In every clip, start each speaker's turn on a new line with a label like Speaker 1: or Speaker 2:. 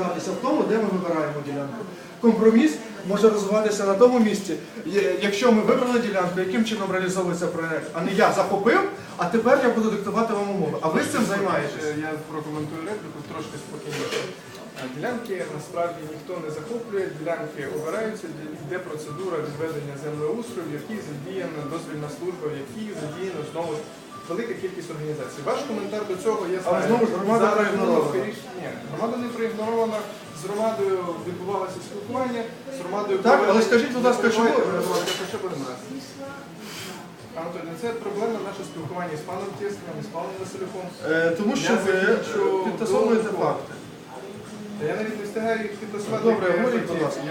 Speaker 1: розбиратися в тому, де ми вибираємо ділянку. Компроміс може розвиватися на тому місці, якщо ми вибрали ділянку, яким чином реалізовується проєкт, а не я захопив, а тепер я буду диктувати вам умови. А ви з цим займаєтесь?
Speaker 2: Я прокоментую репліку трошки спокійніше. Ділянки насправді ніхто не захоплює, ділянки обираються, йде процедура відведення землеустрою, в якій задіяна дозвільна служба, в якій задіяна знову велика кількість організацій. Ваш коментар до цього я знаю.
Speaker 1: Але знову ж громада проігнорована.
Speaker 2: Ні, громада не проігнорована, з громадою відбувалося спілкування, з громадою...
Speaker 1: Так, але скажіть, будь ласка, чому?
Speaker 2: Що буде нас? Анатолій, це проблема наше спілкування з паном Тєскином, з паном Василюком.
Speaker 1: Тому що ви підтасовуєте факти.
Speaker 2: Я навіть не встигаю їх підтасувати.
Speaker 1: Добре, говоріть, будь ласка.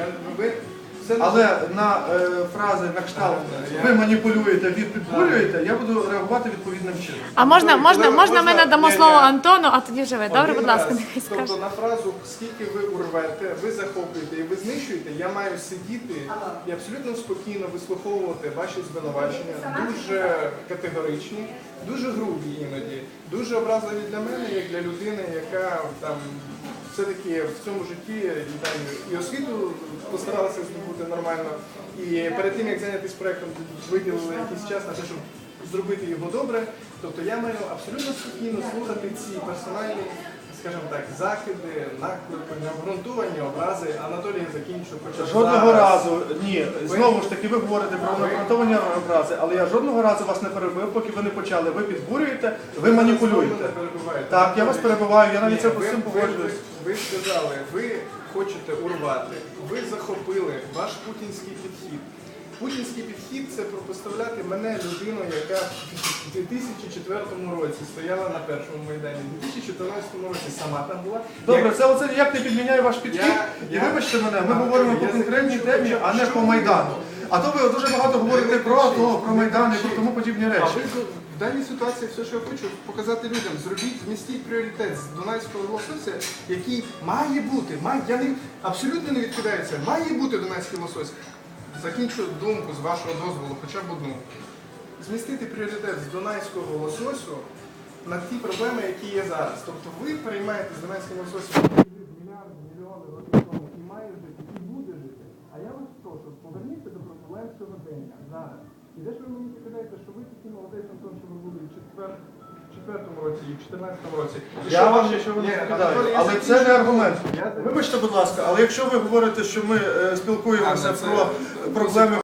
Speaker 2: Це
Speaker 1: Але на фрази на кшталт ви маніпулюєте, ви підбурюєте, я буду реагувати відповідним чином.
Speaker 3: А можна ми надамо слово Антону, а тоді вже ви. Добре, будь ласка, нехай скаже.
Speaker 2: Тобто на фразу «скільки ви урвете, ви захоплюєте і ви знищуєте», я маю сидіти і абсолютно спокійно вислуховувати ваші звинувачення, дуже категоричні, дуже грубі іноді, дуже образливі для мене, як для людини, яка там все-таки в цьому житті і освіту постаралася здобути нормально, і перед тим, як зайнятися проєктом, виділили якийсь час на те, щоб зробити його добре. Тобто я маю абсолютно спокійно слухати ці персональні, скажімо так, закиди, наклепи, необґрунтовані образи. Анатолій закінчив хоча б
Speaker 1: Жодного разу, ні, знову ж таки, ви говорите про необґрунтовані образи, але я жодного разу вас не перебив, поки ви не почали. Ви підбурюєте, ви маніпулюєте. Так, я вас перебиваю, я навіть це по цим погоджуюсь.
Speaker 2: Ви сказали, ви хочете урвати, ви захопили ваш путінський підхід. Путінський підхід – це протиставляти мене, людину, яка в 2004 році стояла на першому Майдані, в 2014 році сама там була.
Speaker 1: Добре, це оце ніяк не підміняє ваш підхід. І вибачте мене, ми говоримо по конкретній темі, а не по Майдану. А то ви дуже багато говорите про АТО, про Майдан і про тому подібні
Speaker 2: А
Speaker 1: речі.
Speaker 2: ви в даній ситуації все, що я хочу показати людям, змістіть пріоритет з Дунайського лосося, який має бути, абсолютно не відкидається, має бути Дунайський лосось. Закінчу думку з вашого дозволу, хоча б одну. Змістити пріоритет з Дунайського лососю на ті проблеми, які є зараз. Тобто ви переймаєте з Дунайським лососем мільярди, мільйони років тому і має жити, і буде жити. А я вас прошу, поверніться до проблем сьогодення, зараз. І де ж ви мені покидаєте, що ви такий молодець, Антон, що ви були і в 4-му році, і в 14-му році.
Speaker 1: Я вам нічого не відповідаю, але це не аргумент. Вибачте, будь ласка, але якщо ви говорите, що ми спілкуємося про проблеми